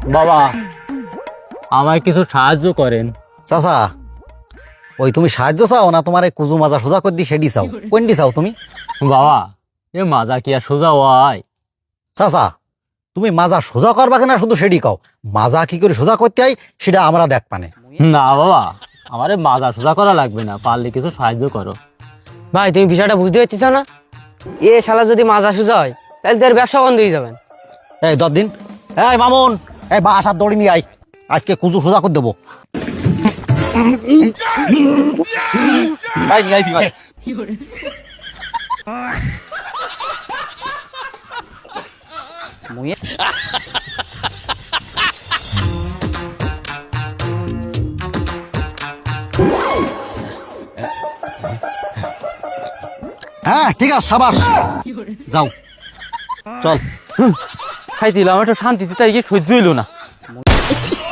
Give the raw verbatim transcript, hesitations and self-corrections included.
বাবা আমায় কিছু সাহায্য করেন। চাচা ওই তুমি সাহায্য চাও না তোমার এই কুজু মাজা সোজা করে দি সেডি চাও, কোনটি চাও তুমি? বাবা এ মাজা কি আর সোজা হয়? চাচা তুমি মাজা সোজা করবা কিনা শুধু সেডি কও, মাজা কি করে সোজা করতে হয় সেটা আমরা দেখ পানে। না বাবা আমার এ মাজা সোজা করা লাগবে না, পারলে কিছু সাহায্য করো। ভাই তুমি বিষয়টা বুঝতে পারছিস না? এ শালা যদি মাজা সুজা হয় তাহলে তোর ব্যবসা বন্ধ হয়ে যাবেন। এই দশ দিন এই মামুন এই বা আসার দড়ি নিয়ে আই, আজকে কুজু সোজা করে দেবো। হ্যাঁ ঠিক আছে সাবাস, যাও চল। খাই দিলাম, একটা শান্তিতে তাই গিয়ে সহ্য হইল না।